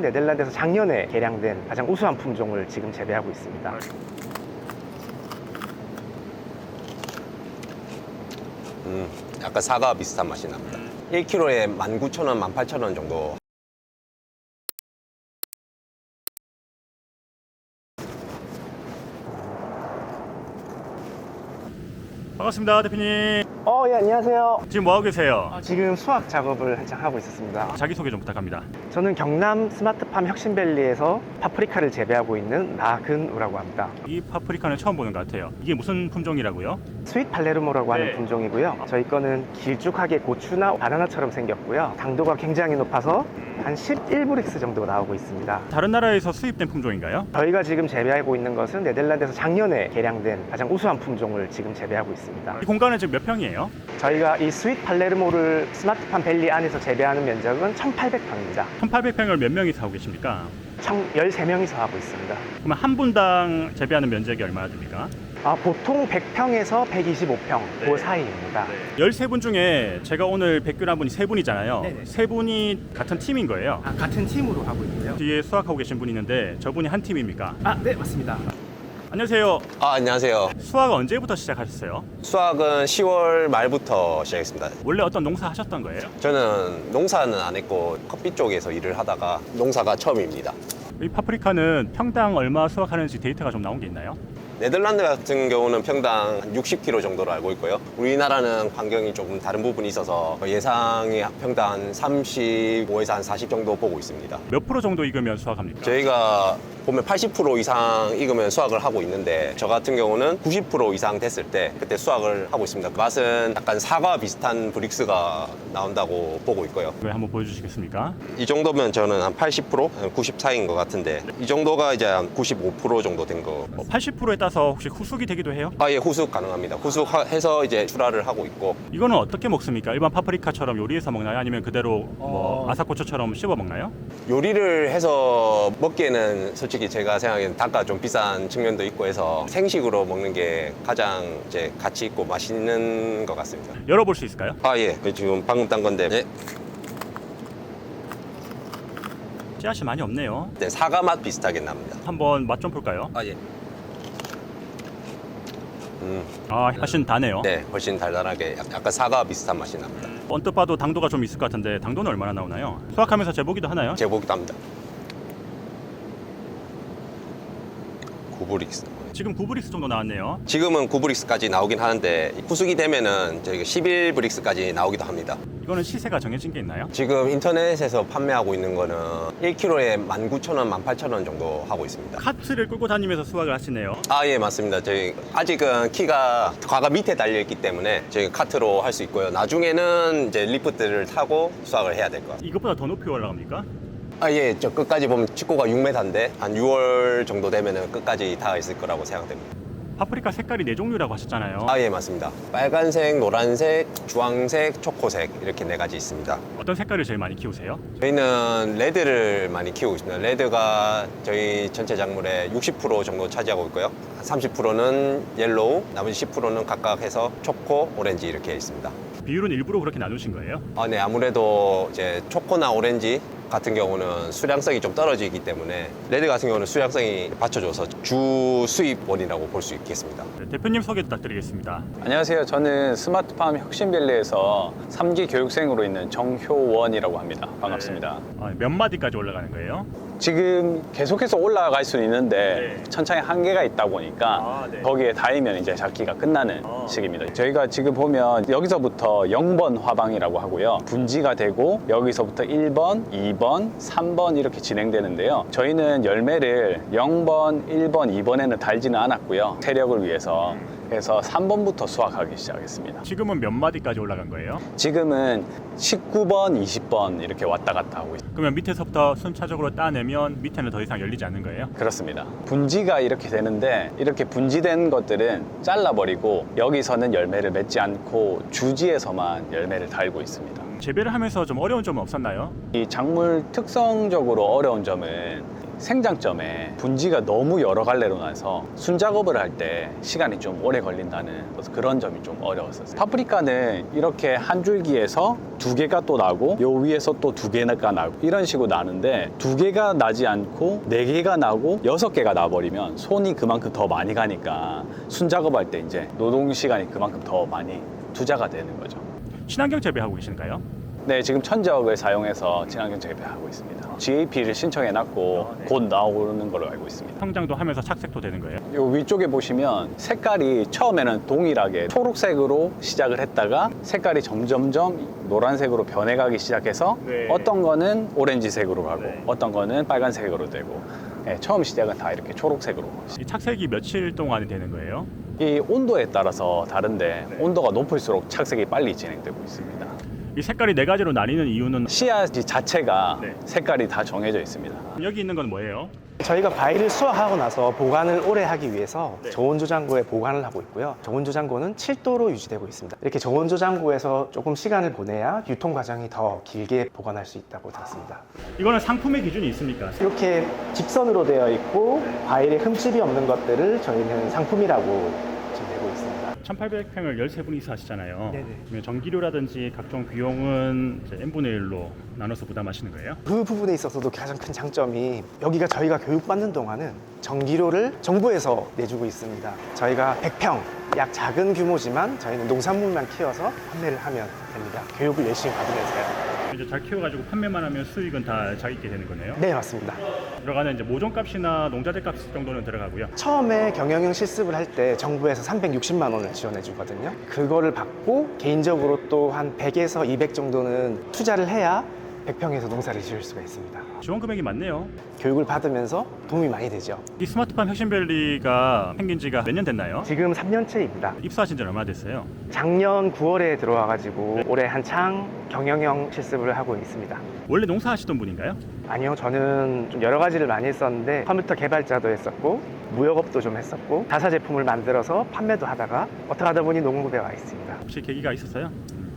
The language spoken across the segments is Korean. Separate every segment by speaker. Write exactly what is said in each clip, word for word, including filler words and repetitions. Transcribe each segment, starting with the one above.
Speaker 1: 네덜란드에서 작년에 개량된 가장 우수한 품종을 지금 재배하고 있습니다.
Speaker 2: 음, 약간 사과 비슷한 맛이 납니다. 일 킬로그램에 만 구천 원, 만 팔천 원 정도.
Speaker 3: 반갑습니다, 대표님.
Speaker 1: 어, 예, 안녕하세요.
Speaker 3: 지금 뭐 하고 계세요?
Speaker 1: 지금 수확 작업을 한창 하고 있었습니다.
Speaker 3: 자기소개 좀 부탁합니다.
Speaker 1: 저는 경남 스마트팜 혁신밸리에서 파프리카를 재배하고 있는 나근우라고 합니다.
Speaker 3: 이 파프리카는 처음 보는 것 같아요. 이게 무슨 품종이라고요?
Speaker 1: 스윗 팔레르모라고 하는
Speaker 3: 네.
Speaker 1: 품종이고요. 저희 거는 길쭉하게 고추나 바나나처럼 생겼고요. 당도가 굉장히 높아서 한 십일 브릭스 정도 나오고 있습니다.
Speaker 3: 다른 나라에서 수입된 품종인가요?
Speaker 1: 저희가 지금 재배하고 있는 것은 네덜란드에서 작년에 개량된 가장 우수한 품종을 지금 재배하고 있습니다.
Speaker 3: 이 공간은 지금 몇 평이에요?
Speaker 1: 저희가 이 스윗 팔레르모를 스마트팜 밸리 안에서 재배하는 면적은 천팔백 평입니다.
Speaker 3: 천팔백 평을 몇 명이서 하고 계십니까?
Speaker 1: 총 열세 명이서 하고 있습니다.
Speaker 3: 그러면 한 분당 재배하는 면적이 얼마나 됩니까?
Speaker 1: 아, 보통 백 평에서 백이십오 평
Speaker 3: 네.
Speaker 1: 그 사이입니다.
Speaker 3: 열세 분 중에 제가 오늘 뵙기로 분이 세 분이잖아요.
Speaker 1: 네네.
Speaker 3: 세 분이 같은 팀인 거예요.
Speaker 1: 아, 같은 팀으로 하고 있고요.
Speaker 3: 뒤에 수학하고 계신 분이 있는데 저분이 한 팀입니까?
Speaker 1: 아, 네, 맞습니다.
Speaker 3: 안녕하세요.
Speaker 2: 아, 안녕하세요.
Speaker 3: 수학 언제부터 시작하셨어요?
Speaker 2: 수학은 시월 말부터 시작했습니다.
Speaker 3: 원래 어떤 농사 하셨던 거예요?
Speaker 2: 저는 농사는 안 했고 커피 쪽에서 일을 하다가 농사가 처음입니다.
Speaker 3: 이 파프리카는 평당 얼마 수확하는지 데이터가 좀 나온 게 있나요?
Speaker 2: 네덜란드 같은 경우는 평당 육십 킬로그램 정도로 알고 있고요. 우리나라는 환경이 조금 다른 부분이 있어서 예상이 평당 한 삼십오에서 한 사십 정도 보고 있습니다.
Speaker 3: 몇 프로 정도 익으면 수확합니까?
Speaker 2: 저희가 보면 팔십 퍼센트 이상 익으면 수확을 하고 있는데 저 같은 경우는 구십 퍼센트 이상 됐을 때 그때 수확을 하고 있습니다. 그 맛은 약간 사과 비슷한 브릭스가 나온다고 보고 있고요.
Speaker 3: 네, 한번 보여주시겠습니까?
Speaker 2: 이 정도면 저는 한 팔십 퍼센트, 구십 사이인 것 같은데 이 정도가 이제 한 구십오 퍼센트 정도 된 거.
Speaker 3: 뭐 팔십 퍼센트에 따서 혹시 후숙이 되기도 해요?
Speaker 2: 아, 예, 후숙 가능합니다. 후숙해서 이제 출하를 하고 있고.
Speaker 3: 이거는 어떻게 먹습니까? 일반 파프리카처럼 요리해서 먹나요? 아니면 그대로 뭐
Speaker 1: 어.
Speaker 3: 아사코초처럼 씹어 먹나요?
Speaker 2: 요리를 해서 먹기에는 솔직히 제가 생각하기엔 단가 좀 비싼 측면도 있고 해서 생식으로 먹는 게 가장 이제 가치 있고 맛있는 것 같습니다.
Speaker 3: 열어볼 수 있을까요?
Speaker 2: 아, 예. 지금 방금 딴 건데. 네.
Speaker 3: 씨앗이 많이 없네요.
Speaker 2: 네, 사과 맛 비슷하게 납니다.
Speaker 3: 한번 맛 좀 볼까요?
Speaker 2: 아, 예. 음,
Speaker 3: 아, 훨씬 다네요.
Speaker 2: 네, 훨씬 달달하게 약- 약간 사과 비슷한 맛이 납니다.
Speaker 3: 언뜻 봐도 당도가 좀 있을 것 같은데 당도는 얼마나 나오나요? 수확하면서 재보기도 하나요?
Speaker 2: 제보기도 합니다. 구 브릭스.
Speaker 3: 지금 구 브릭스 정도 나왔네요.
Speaker 2: 지금은 구 브릭스까지 나오긴 하는데 후숙이 되면은 저희가 십일 브릭스까지 나오기도 합니다.
Speaker 3: 이거는 시세가 정해진 게 있나요?
Speaker 2: 지금 인터넷에서 판매하고 있는 거는 일 킬로그램에 만 구천 원, 만 팔천 원 정도 하고 있습니다.
Speaker 3: 카트를 끌고 다니면서 수확을 하시네요.
Speaker 2: 아, 예, 맞습니다. 저희 아직은 키가 과가 밑에 달려 있기 때문에 저희 카트로 할 수 있고요. 나중에는 이제 리프트를 타고 수확을 해야 될 것 같아요.
Speaker 3: 이것보다 더 높이 올라갑니까?
Speaker 2: 아, 예, 저 끝까지 보면 직고가 육 미터인데 한 유월 정도 되면은 끝까지 닿아 있을 거라고 생각됩니다.
Speaker 3: 파프리카 색깔이 네 종류라고 하셨잖아요.
Speaker 2: 아, 예, 맞습니다. 빨간색, 노란색, 주황색, 초코색 이렇게 네 가지 있습니다.
Speaker 3: 어떤 색깔을 제일 많이 키우세요?
Speaker 2: 저희는 레드를 많이 키우고 있습니다. 레드가 저희 전체 작물의 육십 퍼센트 정도 차지하고 있고요. 삼십 퍼센트는 옐로우, 나머지 십 퍼센트는 각각 해서 초코, 오렌지 이렇게 있습니다.
Speaker 3: 비율은 일부러 그렇게 나누신 거예요?
Speaker 2: 아, 네, 아무래도 이제 초코나 오렌지 같은 경우는 수량성이 좀 떨어지기 때문에 레드 같은 경우는 수량성이 받쳐줘서 주 수입원이라고 볼 수 있겠습니다.
Speaker 3: 네, 대표님 소개 부탁드리겠습니다.
Speaker 4: 안녕하세요. 저는 스마트팜 혁신밸리에서 삼 기 교육생으로 있는 정효원이라고 합니다. 반갑습니다.
Speaker 3: 아, 몇 마디까지 올라가는 거예요?
Speaker 4: 지금 계속해서 올라갈 수는 있는데
Speaker 3: 네.
Speaker 4: 천창에 한계가 있다 보니까
Speaker 3: 아, 네.
Speaker 4: 거기에 닿으면 이제 작기가 끝나는
Speaker 3: 아.
Speaker 4: 시기입니다. 저희가 지금 보면 여기서부터 영 번 화방이라고 하고요. 분지가 되고 여기서부터 일 번, 이 번, 삼 번 이렇게 진행되는데요. 저희는 열매를 영 번, 일 번, 이 번에는 달지는 않았고요. 세력을 위해서 그래서 삼 번부터 수확하기 시작했습니다.
Speaker 3: 지금은 몇 마디까지 올라간 거예요?
Speaker 4: 지금은 십구 번, 이십 번 이렇게 왔다 갔다 하고 있습니다.
Speaker 3: 그러면 밑에서부터 순차적으로 따내면 밑에는 더 이상 열리지 않는 거예요?
Speaker 4: 그렇습니다. 분지가 이렇게 되는데 이렇게 분지된 것들은 잘라버리고 여기서는 열매를 맺지 않고 주지에서만 열매를 달고 있습니다.
Speaker 3: 재배를 하면서 좀 어려운 점은 없었나요?
Speaker 4: 이 작물 특성적으로 어려운 점은 생장점에 분지가 너무 여러 갈래로 나서 순작업을 할 때 시간이 좀 오래 걸린다는 그런 점이 좀 어려웠었어요. 파프리카는 이렇게 한 줄기에서 두 개가 또 나고 요 위에서 또 두 개가 나고 이런 식으로 나는데 두 개가 나지 않고 네 개가 나고 여섯 개가 나버리면 손이 그만큼 더 많이 가니까 순작업할 때 이제 노동 시간이 그만큼 더 많이 투자가 되는 거죠.
Speaker 3: 친환경 재배하고 계신가요?
Speaker 4: 네, 지금 천적을 사용해서 친환경 재배하고 있습니다. 지에이피를 신청해놨고 곧 나오는 걸로 알고 있습니다.
Speaker 3: 성장도 하면서 착색도 되는 거예요?
Speaker 4: 요 위쪽에 보시면 색깔이 처음에는 동일하게 초록색으로 시작을 했다가 색깔이 점점점 노란색으로 변해가기 시작해서
Speaker 3: 네.
Speaker 4: 어떤 거는 오렌지색으로 가고
Speaker 3: 네.
Speaker 4: 어떤 거는 빨간색으로 되고 네, 처음 시작은 다 이렇게 초록색으로.
Speaker 3: 이 착색이 며칠 동안이 되는 거예요?
Speaker 4: 이 온도에 따라서 다른데 온도가 높을수록 착색이 빨리 진행되고 있습니다.
Speaker 3: 이 색깔이 네 가지로 나뉘는 이유는
Speaker 4: 씨앗 자체가
Speaker 3: 네.
Speaker 4: 색깔이 다 정해져 있습니다.
Speaker 3: 여기 있는 건 뭐예요?
Speaker 1: 저희가 과일을 수확하고 나서 보관을 오래 하기 위해서
Speaker 3: 네.
Speaker 1: 저온조장고에 보관을 하고 있고요. 저온조장고는 칠 도로 유지되고 있습니다. 이렇게 저온조장고에서 조금 시간을 보내야 유통 과정이 더 길게 보관할 수 있다고 들었습니다.
Speaker 3: 이거는 상품의 기준이 있습니까?
Speaker 1: 이렇게 직선으로 되어 있고 과일에 흠집이 없는 것들을 저희는 상품이라고 지금 내고 있습니다.
Speaker 3: 천팔백 평을 열세 분이서 하시잖아요.
Speaker 1: 네네.
Speaker 3: 그러면 전기료라든지 각종 비용은 이제 n분의 일로 나눠서 부담하시는 거예요?
Speaker 1: 그 부분에 있어서도 가장 큰 장점이 여기가 저희가 교육받는 동안은 전기료를 정부에서 내주고 있습니다. 저희가 백 평, 약 작은 규모지만 저희는 농산물만 키워서 판매를 하면 됩니다. 교육을 열심히 받으면서요.
Speaker 3: 이제 잘 키워가지고 판매만 하면 수익은 다 자기께 되는 거네요.
Speaker 1: 네, 맞습니다.
Speaker 3: 들어가는 이제 모종값이나 농자재 값 정도는 들어가고요.
Speaker 1: 처음에 경영형 실습을 할 때 정부에서 삼백육십만 원을 지원해 주거든요. 그거를 받고 개인적으로 또 한 백에서 이백 정도는 투자를 해야 백 평에서 농사를 지을 수가 있습니다.
Speaker 3: 지원 금액이 많네요.
Speaker 1: 교육을 받으면서 도움이 많이 되죠.
Speaker 3: 이 스마트팜 혁신밸리가 생긴 지가 몇 년 됐나요?
Speaker 1: 지금 삼 년째입니다.
Speaker 3: 입사하신 지 얼마나 됐어요?
Speaker 1: 작년 구월에 들어와가지고 올해 한창 경영형 실습을 하고 있습니다.
Speaker 3: 원래 농사하시던 분인가요?
Speaker 1: 아니요, 저는 좀 여러 가지를 많이 했었는데 컴퓨터 개발자도 했었고 무역업도 좀 했었고 자사 제품을 만들어서 판매도 하다가 어떻게 하다 보니 농업에 와 있습니다.
Speaker 3: 혹시 계기가 있었어요?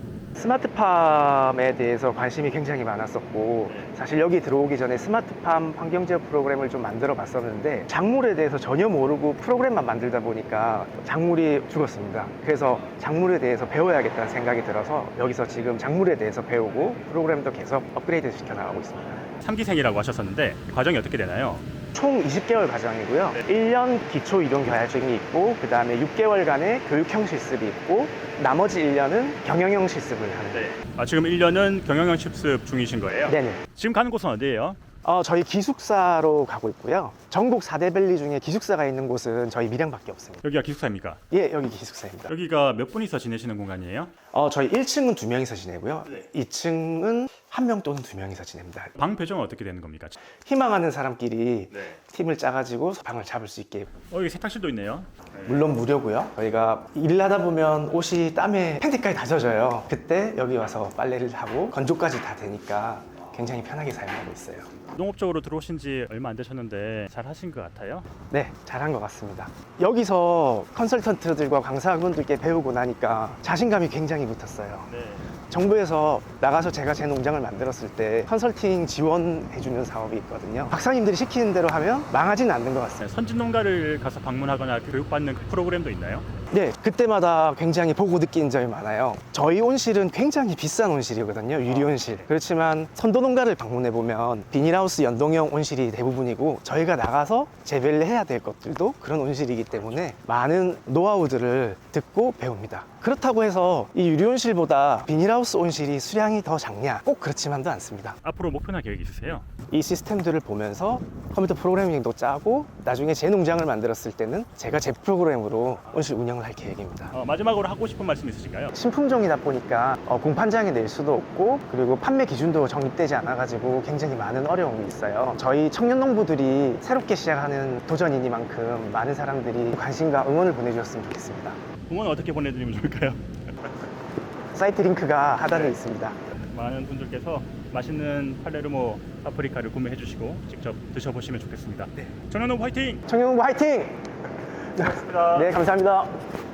Speaker 1: 스마트팜에 대해서 관심이 굉장히 많았었고 사실 여기 들어오기 전에 스마트팜 환경제어 프로그램을 좀 만들어 봤었는데 작물에 대해서 전혀 모르고 프로그램만 만들다 보니까 작물이 죽었습니다. 그래서 작물에 대해서 배워야겠다는 생각이 들어서 여기서 지금 작물에 대해서 배우고 프로그램도 계속 업그레이드 시켜 나가고 있습니다.
Speaker 3: 삼 기생이라고 하셨었는데 과정이 어떻게 되나요?
Speaker 1: 총 이십 개월 과정이고요. 일 년 기초 이론 교육이 있고 그 다음에 육 개월간의 교육형 실습이 있고 나머지 일 년은 경영형 실습을 하는 거예요.
Speaker 3: 아, 지금 일 년은 경영형 실습 중이신 거예요?
Speaker 1: 네네.
Speaker 3: 지금 가는 곳은 어디예요?
Speaker 1: 어, 저희 기숙사로 가고 있고요. 전국 사 대 밸리 중에 기숙사가 있는 곳은 저희 밀양밖에 없습니다.
Speaker 3: 여기가 기숙사입니까?
Speaker 1: 예, 여기 기숙사입니다.
Speaker 3: 여기가 몇 분이서 지내시는 공간이에요?
Speaker 1: 어, 저희 일 층은 두 명이서 지내고요. 이 층은 한 명 또는 두 명이서 지냅니다.
Speaker 3: 방 배정은 어떻게 되는 겁니까?
Speaker 1: 희망하는 사람끼리
Speaker 3: 네.
Speaker 1: 팀을 짜가지고 방을 잡을 수 있게.
Speaker 3: 어, 여기 세탁실도 있네요.
Speaker 1: 물론 무료고요. 저희가 일을 하다 보면 옷이 땀에 팬티까지 다 젖어요. 그때 여기 와서 빨래를 하고 건조까지 다 되니까 굉장히 편하게 사용하고 있어요.
Speaker 3: 농업적으로 들어오신 지 얼마 안 되셨는데 잘 하신 것 같아요?
Speaker 1: 네, 잘한 것 같습니다. 여기서 컨설턴트들과 강사분들께 배우고 나니까 자신감이 굉장히 붙었어요.
Speaker 3: 네.
Speaker 1: 정부에서 나가서 제가 제 농장을 만들었을 때 컨설팅 지원해주는 사업이 있거든요. 박사님들이 시키는 대로 하면 망하지는 않는 것 같습니다.
Speaker 3: 선진 농가를 가서 방문하거나 교육받는 그 프로그램도 있나요?
Speaker 1: 네, 그때마다 굉장히 보고 느낀 점이 많아요. 저희 온실은 굉장히 비싼 온실이거든요. 유리 온실. 그렇지만 선도 농가를 방문해 보면 비닐하우스 연동형 온실이 대부분이고 저희가 나가서 재배를 해야 될 것들도 그런 온실이기 때문에 많은 노하우들을 듣고 배웁니다. 그렇다고 해서 이 유리 온실보다 비닐하우스 온실이 수량이 더 작냐? 꼭 그렇지만도 않습니다.
Speaker 3: 앞으로 목표나 계획 있으세요?
Speaker 1: 이 시스템들을 보면서 컴퓨터 프로그래밍도 짜고 나중에 제 농장을 만들었을 때는 제가 제 프로그램으로 온실 운영을 할 계획입니다.
Speaker 3: 어, 마지막으로 하고 싶은 말씀 있으신가요?
Speaker 1: 신품종이다 보니까 어, 공판장에 낼 수도 없고 그리고 판매 기준도 정립되지 않아가지고 굉장히 많은 어려움이 있어요. 저희 청년 농부들이 새롭게 시작하는 도전이니만큼 많은 사람들이 관심과 응원을 보내주셨으면 좋겠습니다.
Speaker 3: 응원 어떻게 보내드리면 좋을까요?
Speaker 1: 사이트 링크가 하단에 있습니다.
Speaker 3: 많은 분들께서 맛있는 팔레르모 파프리카를 구매해 주시고 직접 드셔보시면 좋겠습니다. 네. 청년농부 화이팅!
Speaker 1: 청년 농부 화이팅!
Speaker 3: 고맙습니다.
Speaker 1: 네, 감사합니다.